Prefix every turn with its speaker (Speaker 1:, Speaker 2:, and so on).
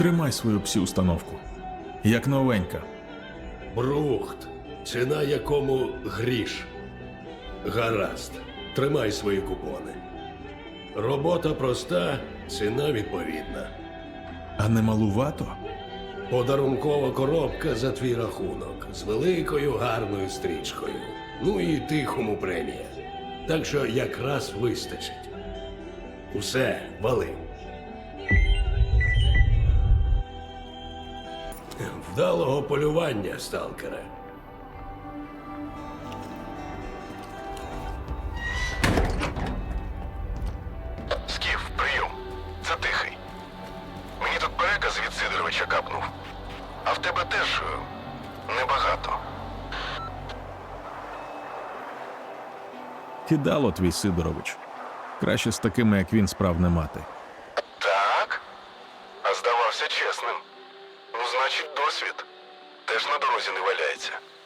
Speaker 1: Тримай свою псі-установку. Як новенька.
Speaker 2: Брухт, ціна якому гріш. Гаразд, тримай свої купони. Робота проста, ціна відповідна.
Speaker 1: А не малувато?
Speaker 2: Подарункова коробка за твій рахунок з великою гарною стрічкою. Ну і тихому премія. Так що якраз вистачить. Усе, вали. Вдалого полювання, сталкере.
Speaker 3: Скіф, прийом. Це тихий. Мені тут переказ від Сидоровича капнув. А в тебе теж небагато.
Speaker 1: Кидало твій Сидорович. Краще з такими, як він, справ не мати.
Speaker 3: Так? А здавався чесним. Ну, значить, досвід теж на дорозі не валяється.